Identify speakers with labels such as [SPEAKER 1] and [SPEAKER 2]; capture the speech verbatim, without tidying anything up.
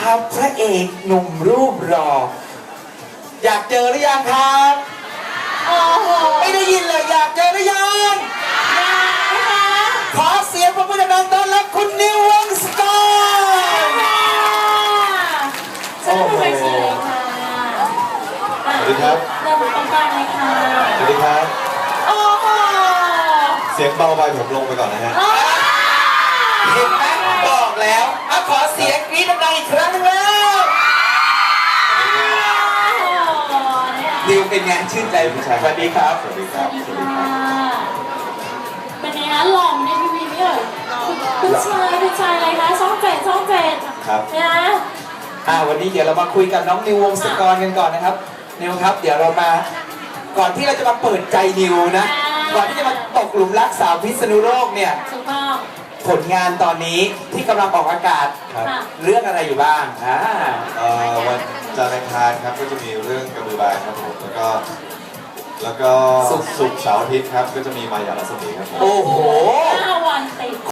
[SPEAKER 1] ครับพระเอกหนุ่มรูปหล่ออยากเจอหรือยังครับโอ้โหไม่ได้ยินเลยอยากเจอหรือยังยังนะคะขอเสียงปรบมือดังๆต้อนรับคุณนิววงศกร
[SPEAKER 2] สวัสดีค่ะสวัสดีครับเริ่มต้นกันเลยค่ะ
[SPEAKER 3] สวัสดีครับ
[SPEAKER 2] โอ้โห
[SPEAKER 3] เสียงเบาไปผมลงไปก่อนนะฮะ
[SPEAKER 1] เห็นไหมบอกแล้วเอาขอเสียงกรี๊ดดังๆอีกครั้งนึงแล้วนิวเป็นไงชื่นใจผู้ชายสวัสดีครับ
[SPEAKER 3] สวัสดีครับ
[SPEAKER 2] สวัสดีค่ะเป็นไงคะหล่อในทีวีไม่เอ่ยผู้ชายผู้ชายอะไรคะช่องเจ็ดช่องเจ็ด
[SPEAKER 3] ครับ
[SPEAKER 2] นะ
[SPEAKER 1] อ่าวันนี้เดี๋ยวเรามาคุยกับน้องนิววงศกรกันก่อนนะครับนิวครับเดี๋ยวเรามาก่อนที่เราจะมาเปิดใจนิวนะก่อนที่จะมาตกหลุมรักสาวพิษณุโลกเนี่ย
[SPEAKER 2] ถูกต้อง
[SPEAKER 1] ผลงานตอนนี้ที่กำลังออกอากาศเรื่องอะไรอยู่บ้างอ่า
[SPEAKER 3] วันจันทร์อังคารครับก็จะมีเรื่องกระบือบายครับผมแล้วก็แล้วก็ศุกร์เสาร์อาทิตย์ครับก็จะมีมายาลัศมีครับ
[SPEAKER 1] โอ้โห
[SPEAKER 2] ห้าวันติด